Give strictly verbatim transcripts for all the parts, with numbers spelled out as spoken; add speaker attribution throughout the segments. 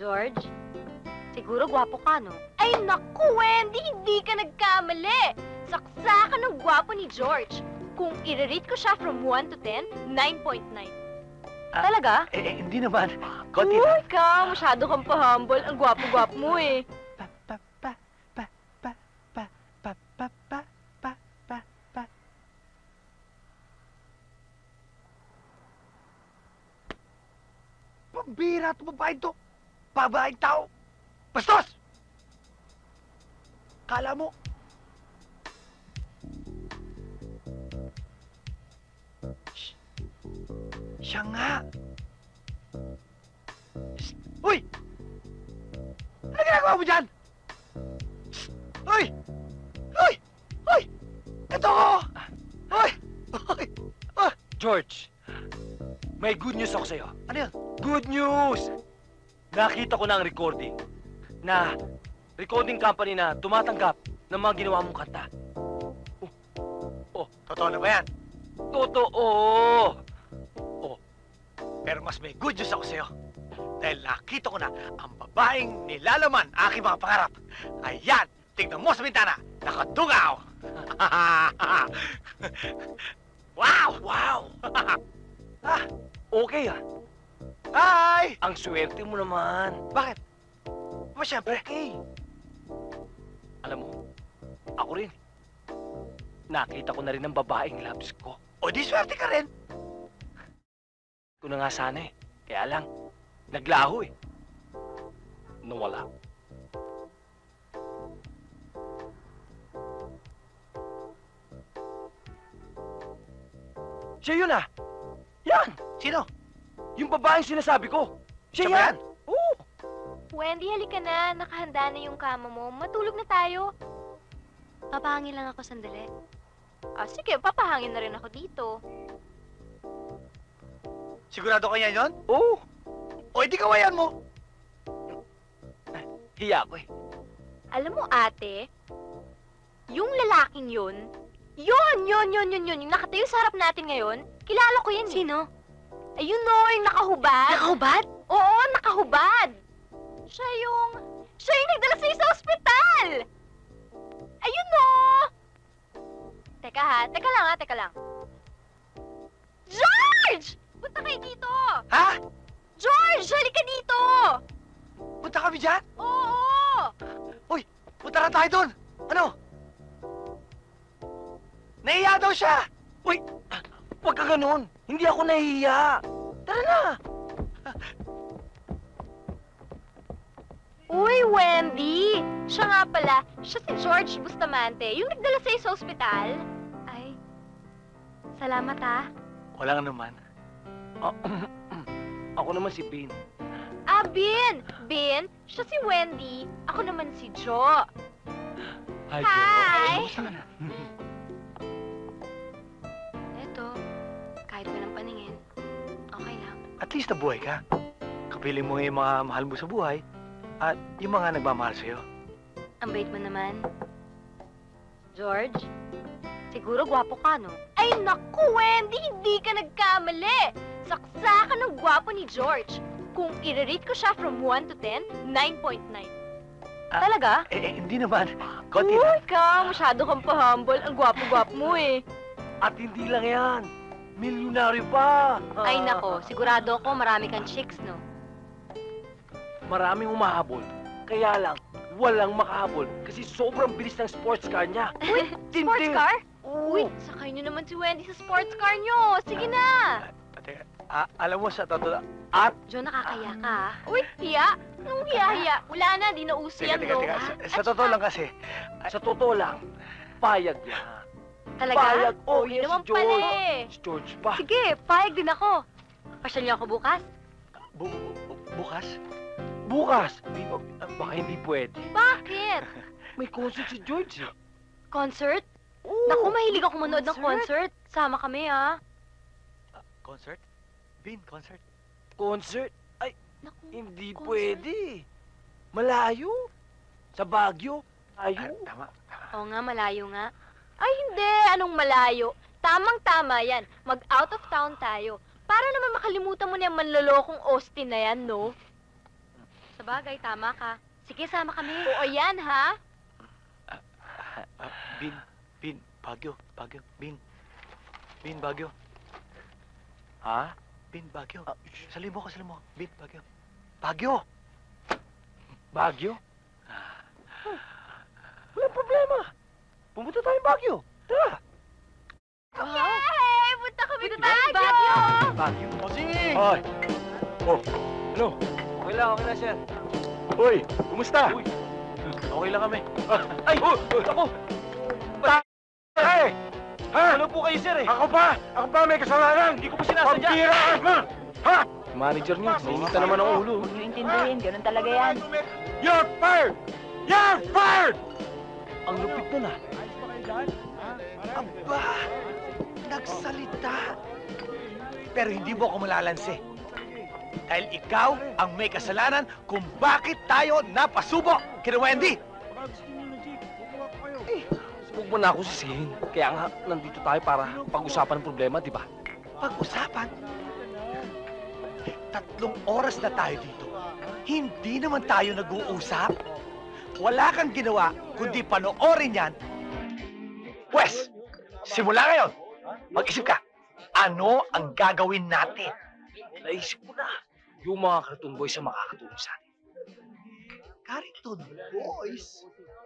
Speaker 1: George, siguro gwapo ka, no? Ay, naku, Wendy! Hindi ka nagkamali! Saksa ka ng gwapo ni George. Kung i-rate ko siya from one to ten, nine point nine.
Speaker 2: Ah,
Speaker 1: Talaga?
Speaker 2: Eh, eh, hindi naman. Konti
Speaker 1: Uy,
Speaker 2: lang.
Speaker 1: ka! Masyado kang pa-humble. Ang gwapo-gwapo mo, eh.
Speaker 2: Pa, pa, pa, pa, pa, pa, pa, pa, pa, pa, pa, pa. Pambira ito, babae ito. Babaeng tao. Bastos! Kala mo. Shh. Siya nga. Shh. Uy! Ano ginagawa mo dyan? Shh. Uy! Uy! Uy! Ito ko! Uy! Uy! Ah!
Speaker 3: George, may good news ako sa'yo.
Speaker 2: Ano yun?
Speaker 3: Good news! Nakita ko na ang recording na recording company na tumatanggap ng mga ginawa mong kanta.
Speaker 2: Totoo na ba yan?
Speaker 3: Totoo!
Speaker 2: Pero mas may good news ako sa'yo. Dahil nakita ko na ang babaeng nilalaman aking mga pangarap. Ayan! Tignan mo sa bintana! Nakadungaw! Wow!
Speaker 3: Wow!
Speaker 2: Ah!
Speaker 3: Okay ah.
Speaker 2: Hi!
Speaker 3: Ang swerte mo naman.
Speaker 2: Bakit? Ba, siyempre.
Speaker 3: Okay. Alam mo, ako rin. Nakita ko na rin ang babaeng loves ko.
Speaker 2: O di swerte ka rin.
Speaker 3: Ko na nga sana eh. Kaya lang, naglaho eh. Nawala. Siya yun ah! Yan!
Speaker 2: Sino?
Speaker 3: Yung babaeng sinasabi ko! Siya
Speaker 2: Siya ba
Speaker 3: yan! Oo!
Speaker 1: Wendy, halika na. Nakahanda na yung kama mo. Matulog na tayo. Papahangin lang ako sandali. Ah, sige. Papahangin na rin ako dito.
Speaker 2: Sigurado ka yan yun?
Speaker 3: Oo!
Speaker 2: O di kawayan mo.
Speaker 3: Hiya ko eh.
Speaker 1: Alam mo, ate, yung lalaking yun, yun, yun, yun, yun, yun, yung nakatayo sa harap natin ngayon, kilala ko yan. Sino? Ayun no, yung nakahubad. Nakahubad? Oo, nakahubad. Siya yung, siya yung nagdala sa'yo sa ospital. Ayun no. Teka ha, teka lang ha, teka lang. George! Punta kayo dito!
Speaker 2: Ha?
Speaker 1: George, halika dito!
Speaker 2: Punta kami dyan?
Speaker 1: Oo!
Speaker 2: Uy, punta na tayo doon. Ano? Nahiya daw siya.
Speaker 3: Uy! Huwag ka ganun! Hindi ako nahihiya! Tara na!
Speaker 1: Uy, Wendy! Siya nga pala, siya si George Bustamante, yung nagdala sa'yo sa ospital. Ay, salamat ah.
Speaker 2: Wala nga naman.
Speaker 3: Ah, ako naman si Bean.
Speaker 1: Ah, Bin! Bin, siya si Wendy. Ako naman si Jo.
Speaker 3: Hi,
Speaker 1: Hi!
Speaker 2: Kumusta ka na?
Speaker 1: Eto, kahit walang paningin, okay lang.
Speaker 2: At least nabuhay ka. Kapiling mo yung mga mahal mo sa buhay at yung mga nagmamahal sa'yo.
Speaker 1: Ang bait mo naman. George, siguro gwapo ka, no? Ay, naku, Wendy! Hindi ka nagkamali! Saksa ka ng gwapo ni George. Kung i-rate ko siya from one to ten, nine point nine.
Speaker 2: Ah,
Speaker 1: Talaga?
Speaker 2: Eh, eh, hindi naman. Konti
Speaker 1: Uy,
Speaker 2: lang.
Speaker 1: ka! Masyado kang pa-humble. Ang gwapo-gwapo mo, eh.
Speaker 3: At hindi lang yan. Milyonaryo pa!
Speaker 1: Ay,
Speaker 3: Ah,
Speaker 1: nako. Sigurado ako marami kang chicks, no?
Speaker 3: Maraming umahabol. Kaya lang, walang makahabol kasi sobrang bilis ng sports car niya.
Speaker 1: Uy,
Speaker 3: Tindi.
Speaker 1: sports car?
Speaker 3: Oo.
Speaker 1: Uy, sakay niyo naman si Wendy sa sports car niyo. Sige na.
Speaker 2: Ate, ah, alam mo sa totoo...
Speaker 3: At
Speaker 1: Jo, nakakaya ka, ah. Uy, hiya? Anong hiya-hiya? Wala na, di na uso
Speaker 2: Teka,
Speaker 1: yan,
Speaker 2: teka,
Speaker 1: no?
Speaker 2: teka.
Speaker 1: Ah,
Speaker 2: Sa,
Speaker 1: at
Speaker 2: sa totoo
Speaker 1: saka-
Speaker 2: lang kasi,
Speaker 3: sa totoo lang, payag niya.
Speaker 1: Talaga?
Speaker 3: Payag. Oh,
Speaker 1: Uy,
Speaker 3: yes,
Speaker 1: naman
Speaker 3: si George.
Speaker 1: pala, eh.
Speaker 3: Si George pa.
Speaker 1: Sige, payag din ako. Pasyal niyo ako bukas?
Speaker 2: bu- bu- bukas,
Speaker 3: Bukas. Di ba, baka hindi pwede.
Speaker 1: Bakit?
Speaker 3: May concert si George eh.
Speaker 1: Concert?
Speaker 3: Oo.
Speaker 1: Naku, mahilig ako manood ng concert. Sama kami, ah.
Speaker 2: concert? Bin, concert?
Speaker 3: Concert?
Speaker 1: Naku,
Speaker 3: Hindi
Speaker 1: concert.
Speaker 3: pwede. Malayo. Sa Baguio.
Speaker 2: Ah,
Speaker 3: Ayaw.
Speaker 2: tama, tama.
Speaker 1: Oo nga, malayo nga. Ay, hindi. Anong malayo? Tamang-tama yan. Mag-out of town tayo. Para naman makalimutan mo na yung manlolokong Austin na yan, no? Sa bagay, tama ka. Sige, sama kami. Oo, yan, ha?
Speaker 2: Ah, Bin, Bin, Bagyo, Bagyo, Bin. Bin, Bagyo.
Speaker 3: Ha?
Speaker 2: Bin, Bagyo. Salim mo ka, salim mo. Bin, Bagyo. Bagyo!
Speaker 3: Bagyo? Walang problema. Pumunta tayong Bagyo. Tara.
Speaker 1: Yay! Punta kami
Speaker 3: Wait,
Speaker 1: na Baguio!
Speaker 3: Bagyo?
Speaker 2: Posing!
Speaker 3: Hoy! Oh, ano? Okay lang, okay lang, sir. Hoy, kumusta? Uy, okay lang kami. Ah, ay! Oh, ako!
Speaker 4: Ay! Ha?
Speaker 3: Ano po kayo, sir, eh?
Speaker 4: Ako ba? Ako ba may kasalanan?
Speaker 3: Hindi ko po sinasadya.
Speaker 4: Pampira ka mo! Ha?
Speaker 3: Manager niya, nainita naman ang ulo.
Speaker 1: Huwag niyo intindihin, ganun talaga yan.
Speaker 4: You're fired! You're fired!
Speaker 3: Ang lupit nun, ah.
Speaker 2: Aba! Nagsalita! Pero hindi mo ako malalansi. Dahil ikaw ang may kasalanan kung bakit tayo napasubo kina Wendy!
Speaker 3: Eh, huwag mo na ako sisihin. Kaya nga, nandito tayo para pag-usapan ng problema, di ba?
Speaker 2: Pag-usapan? Tatlong oras na tayo dito. Hindi naman tayo nag-uusap. Wala kang ginawa kundi panoorin yan. Wes, simula ngayon, mag-isip ka. Ano ang gagawin natin?
Speaker 3: Naisip ko na. Yung mga cartoon boys ang makakatulong sa atin.
Speaker 2: Cartoon Boys?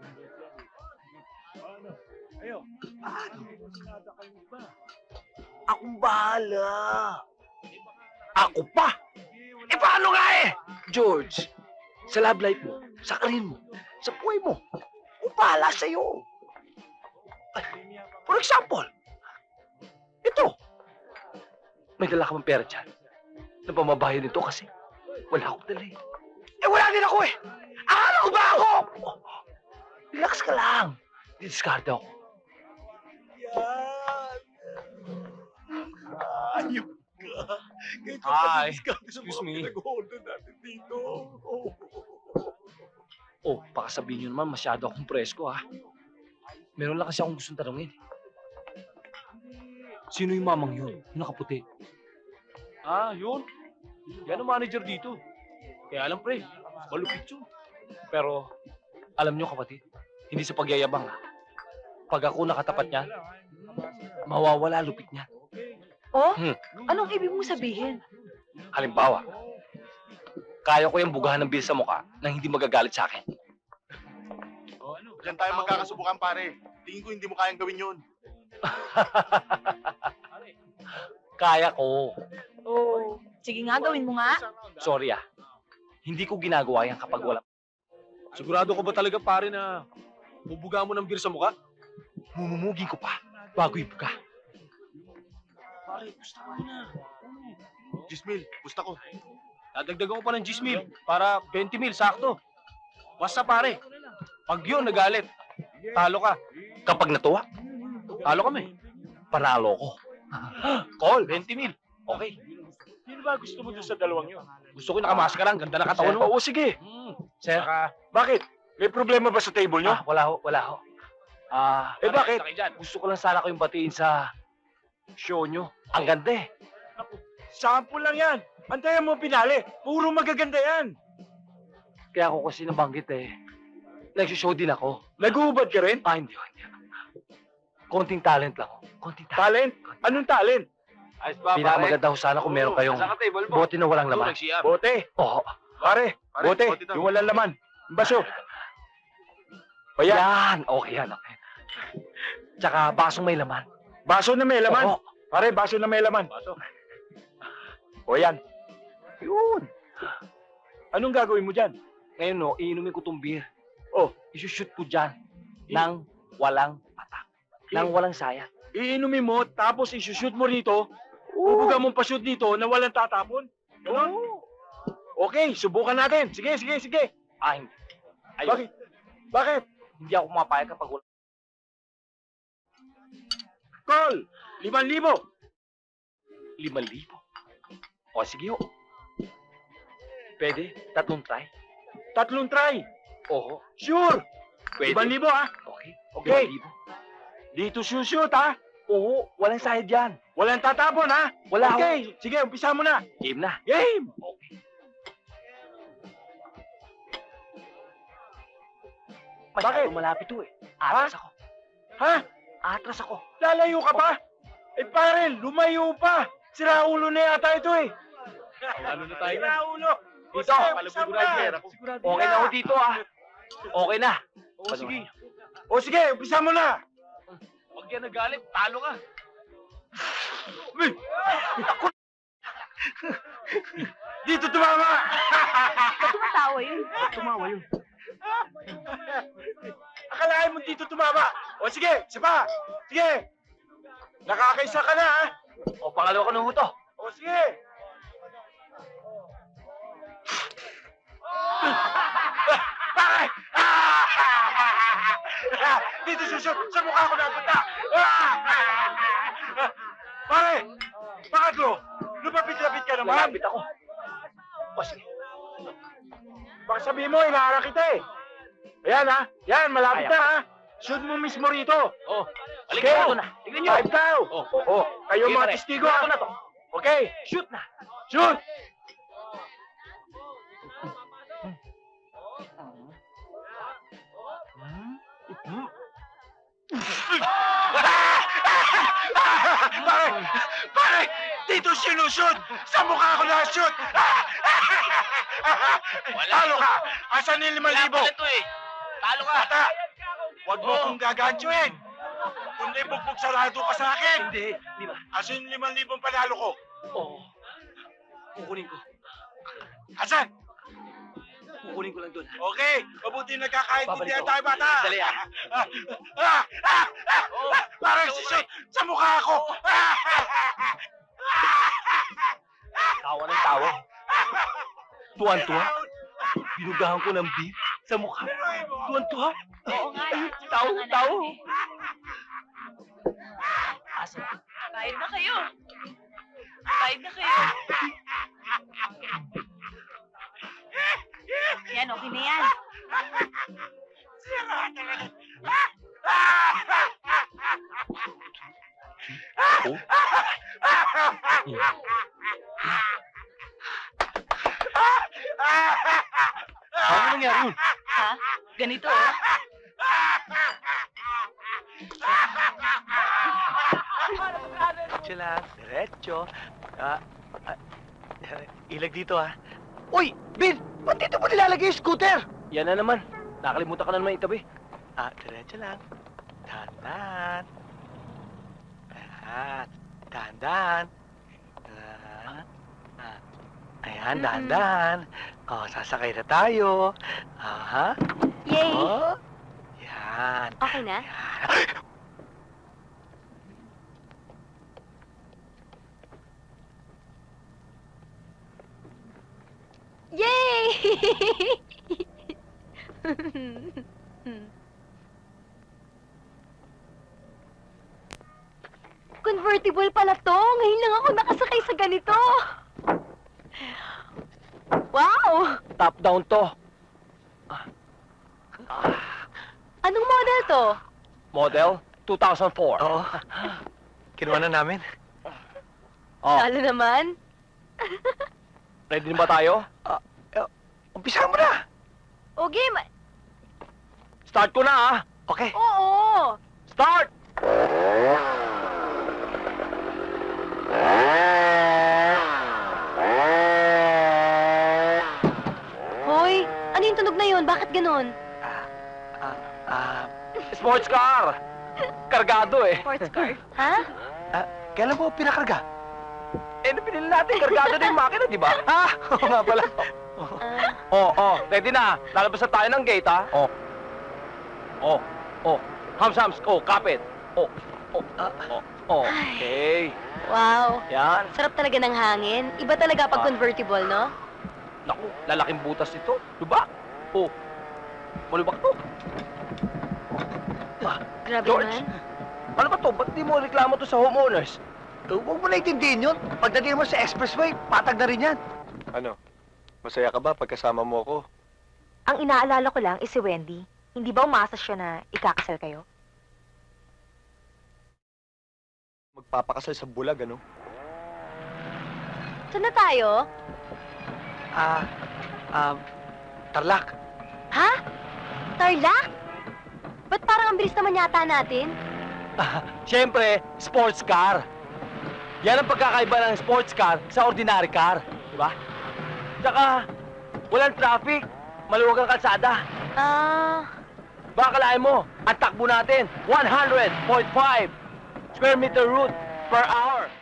Speaker 2: Paano? Akong bahala. Ako pa? Eh paano nga eh?
Speaker 3: George, sa love life mo, sa karir mo, sa buhay mo,
Speaker 2: Kung bahala sa'yo. Ay, for example, ito.
Speaker 3: may dala ka bang pera dyan? Na pamabayan nito kasi wala akong dala eh.
Speaker 2: Eh wala din ako eh. Akala ko ba ako?
Speaker 3: Relax ka lang. Didiscard ako.
Speaker 4: Ayok ka. Ganito
Speaker 3: Hi.
Speaker 4: discount sa
Speaker 3: Excuse
Speaker 4: mga
Speaker 3: me.
Speaker 4: pinag-order natin dito.
Speaker 3: Oh, baka sabihin nyo naman masyado akong presko ha. Meron lang kasi akong gustong tanongin. Sino yung mamang yun? Yung nakaputi? Ah, yun. Yan ang manager dito. Kaya alam pre, malupit yun. Pero, alam nyo kapatid, hindi sa pagyayabang ha. Pag ako nakatapat niya, mawawala lupit niya.
Speaker 1: Oh?
Speaker 3: Hmm.
Speaker 1: Anong ibig mong sabihin?
Speaker 3: Halimbawa, kaya ko yung bugahan ng bil sa mukha nang hindi magagalit sa akin.
Speaker 4: Diyan tayo magkakasubukan, pare. Tingin ko hindi mo kayang gawin yun.
Speaker 3: Kaya ko.
Speaker 1: Oh, sige nga, gawin mo nga.
Speaker 3: Sorry ah. Hindi ko ginagawa yan kapag wala. Sigurado ko ba talaga pare na bubuga mo ng beer sa mukha? Mumumugin ko pa bago ibuga. Pare, gusto ko na.
Speaker 4: Gismil, gusto ko.
Speaker 3: Dadagdagan ko pa ng ten mil para twenty mil, sakto. Basta pare, pag yun nagalit, talo ka. Kapag natuwa, talo kami. Panalo ko. Call, twenty mil. Okay.
Speaker 4: Sino ba gusto mo dun sa dalawang yun?
Speaker 3: Gusto ko yung nakamaskara, ang ganda na katawan mo.
Speaker 4: Oo, sige.
Speaker 3: Hmm. Sir,
Speaker 4: Bakit? May problema ba sa table nyo?
Speaker 3: ah, wala ho, wala ho. Ah,
Speaker 4: Eh, bakit?
Speaker 3: Gusto ko lang sana kayong batiin sa show nyo. Ang ganda eh.
Speaker 4: Sample lang yan. Antayan mo pinali. Puro magaganda yan.
Speaker 3: Kaya ako kasi nabanggit eh. Nagsishow din ako.
Speaker 4: Nag-uubad ka rin?
Speaker 3: Ah, hindi, hindi. Konting talent lang. ho. Konting talent.
Speaker 4: Talent? Anong talent?
Speaker 5: Ayos ba,
Speaker 3: Pinakamaganda ho sana kung meron kayong
Speaker 5: Nasa table mo.
Speaker 3: bote na walang laman.
Speaker 4: Bote.
Speaker 3: Oo.
Speaker 4: Pare,
Speaker 5: Pare,
Speaker 4: bote.
Speaker 5: bote daw.
Speaker 4: Yung walang laman. Baso. O yan.
Speaker 3: Yan. Okay yan. Okay. Tsaka basong may laman.
Speaker 4: Baso na may laman.
Speaker 3: Oo.
Speaker 4: Pare, baso na may laman.
Speaker 5: Baso.
Speaker 4: O yan.
Speaker 3: Yun.
Speaker 4: Anong gagawin mo dyan?
Speaker 3: Ngayon no, iinumin ko tong beer.
Speaker 4: Oh.
Speaker 3: Isushoot ko dyan. Nang walang patak. Nang walang sayang.
Speaker 4: Iinumin mo, tapos isushoot mo rito. Ubuga mong pashoot dito na walang tatapon. Ganon? Okay, subukan natin. Sige, sige, sige.
Speaker 3: Ah, hindi. Ayun.
Speaker 4: Bakit? Bakit?
Speaker 3: Hindi ako pumapayag kapag wala.
Speaker 4: Call! Liman libo!
Speaker 3: Limang libo. O, sige ho. Pwede? Tatlong try?
Speaker 4: Tatlong try!
Speaker 3: Oo.
Speaker 4: Sure!
Speaker 3: Pwede?
Speaker 4: Liman libo, ha?
Speaker 3: Okay.
Speaker 4: Okay.
Speaker 3: Limang libo.
Speaker 4: Dito shoot, ha?
Speaker 3: Oo. Walang sayad yan.
Speaker 4: Walang tatapon, ha?
Speaker 3: Wala
Speaker 4: Okay, sige, umpisa mo na.
Speaker 3: Game na.
Speaker 4: Game!
Speaker 3: Okay.
Speaker 4: Bakit?
Speaker 3: malapit to eh. Atras ako.
Speaker 4: Ha?
Speaker 3: Atras ako.
Speaker 4: Lalayo ka pa? Eh pare, lumayo pa. Sira ulo na yata ito eh.
Speaker 3: Lalo na tayo.
Speaker 4: Sira ulo.
Speaker 3: Dito,
Speaker 4: Sige,
Speaker 3: palabog
Speaker 4: umpisa mo
Speaker 3: rider
Speaker 4: na.
Speaker 3: ako. Okay na ako dito ah. Okay na.
Speaker 4: O sige. O sige, umpisa mo na.
Speaker 3: Huwag yan nagalit, talo ka.
Speaker 4: Dito tumama.
Speaker 1: Tumatawa yun.
Speaker 3: Tumawa yun.
Speaker 4: Akalain mo dito tumama. O sige, isa pa. Sige. Nakakaisa ka na ha.
Speaker 3: O, pangalawa ka ng huto.
Speaker 4: O sige. Pare! Dito susot sa mukha ko napunta. Pare! Pangatlo! Lupapit-lapit ka naman.
Speaker 3: Lalapit ako. O, sige.
Speaker 4: Baka sabihin mo, inaara kita eh. Ayan ha. Yan, malapit
Speaker 3: Kaya
Speaker 4: na ha. Shoot mo mismo rito.
Speaker 3: O,
Speaker 4: Sige.
Speaker 3: halika ito na. Tingnan nyo.
Speaker 4: Five daw.
Speaker 3: Oh.
Speaker 4: Oh, kayo
Speaker 3: Sige,
Speaker 4: mga
Speaker 3: pare.
Speaker 4: testigo
Speaker 3: Ito
Speaker 4: ha.
Speaker 3: na to.
Speaker 4: Okay.
Speaker 3: Shoot na.
Speaker 4: Shoot! Pare! Pare! Dito sinushoot! Sa mukha ko na-shoot! Talo ka! Asan yung limang libo?
Speaker 3: Wala pala to eh. Talo ka.
Speaker 4: Bata! Huwag mo
Speaker 3: Oh.
Speaker 4: kong gagantuin! Kundi bugbog sarado ka sa akin!
Speaker 3: Hindi. Di ba?
Speaker 4: Asan yung limang libong panalo ko?
Speaker 3: Oo. Kukunin ko.
Speaker 4: Asan?
Speaker 3: Kukunin ko lang doon.
Speaker 4: Okay, mabuti nagkakaintindihan
Speaker 3: Babalik
Speaker 4: tayo, bata.
Speaker 3: Dali, ah.
Speaker 4: Ah, ah, ah, ah,
Speaker 3: Oh,
Speaker 4: parang
Speaker 3: ikaw,
Speaker 4: sisot sa mukha ko.
Speaker 3: Tawa ng tawa. Tuwan-tuwa. Binugahan ko ng beef sa mukha. Tuwan-tuwa.
Speaker 1: Oo nga. eh.
Speaker 3: Tao,
Speaker 1: Ang anak
Speaker 3: tao.
Speaker 1: eh.
Speaker 3: Asa?
Speaker 1: Bayad na kayo. Bayad na kayo. Yan, okay na yan.
Speaker 4: Sira talaga.
Speaker 3: Oh? Ano nangyari yun?
Speaker 1: Ha? Ganito oh.
Speaker 2: Diretso lang, diretso. Ah, ah, ilag dito ah. Uy, Bin! Ba't dito mo nilalagay yung scooter?
Speaker 3: Yan na naman. Nakalimutan ka na naman itabi.
Speaker 2: Ah, diretso lang. Dahan-dahan. Ayan. Dahan-dahan. Ah, ah. Ayan,
Speaker 1: Mm-mm.
Speaker 2: dahan-dahan. Oh, sasakay na tayo. Aha.
Speaker 1: Yay!
Speaker 2: Oh. Yan.
Speaker 1: Okay na?
Speaker 2: Yan.
Speaker 1: Yay! Convertible pala to. Ngayon lang ako nakasakay sa ganito. Wow!
Speaker 3: Top down to.
Speaker 1: Anong model to?
Speaker 3: Model two thousand four.
Speaker 2: Oo. Kinuha na namin.
Speaker 3: Oh,
Speaker 1: Lalo naman.
Speaker 3: ready na ba tayo?
Speaker 2: Umpisa mo na.
Speaker 1: O game.
Speaker 3: Start ko na ah.
Speaker 2: Okay.
Speaker 1: Oo.
Speaker 3: Start!
Speaker 1: Hoy, ano yung tunog na yun? Bakit ganun?
Speaker 2: Ah, ah, ah,
Speaker 3: Sports car! Kargado eh.
Speaker 1: Sports car. Ha?
Speaker 2: ah, kailan mo pinakarga?
Speaker 3: Eh, pinili natin, kargado na yung makina, di ba?
Speaker 2: Ah, oo nga pala.
Speaker 1: Ah,
Speaker 3: Oh, oh, ready na. Lalabas na tayo ng gate, ha? Oh. Oh, oh. Hams, hams. Oh, kapit. Oh, oh,
Speaker 2: Ah.
Speaker 3: oh, oh. Okay.
Speaker 1: wow.
Speaker 3: Yan.
Speaker 1: Sarap talaga ng hangin. Iba talaga pag
Speaker 3: Ah.
Speaker 1: convertible, no?
Speaker 3: Naku, lalaking butas ito. Diba? Oh. Malubak to.
Speaker 1: Grabe
Speaker 3: George.
Speaker 1: naman.
Speaker 3: Ano ba to? Ba't di mo reklamo to sa homeowners?
Speaker 2: Eh, huwag mo naintindihin yun. Pagdating mo sa expressway, patag na rin yan.
Speaker 5: Ano? Masaya ka ba pagkasama mo ako?
Speaker 6: Ang inaalala ko lang is si Wendy. Hindi ba umasa siya na ikakasal kayo?
Speaker 5: Magpapakasal sa bulag, ano?
Speaker 1: Saan na tayo?
Speaker 2: Ah, ah, Tarlac.
Speaker 1: Ha? Tarlac? Ba't parang ang bilis naman yata natin?
Speaker 2: Siyempre, sports car. Yan ang pagkakaiba ng sports car sa ordinary car. Di ba? Tsaka, walang traffic. Maluwag ang kalsada.
Speaker 1: Ah...
Speaker 2: Baka kalahin mo, ang takbo natin, one hundred point five square meter route per hour.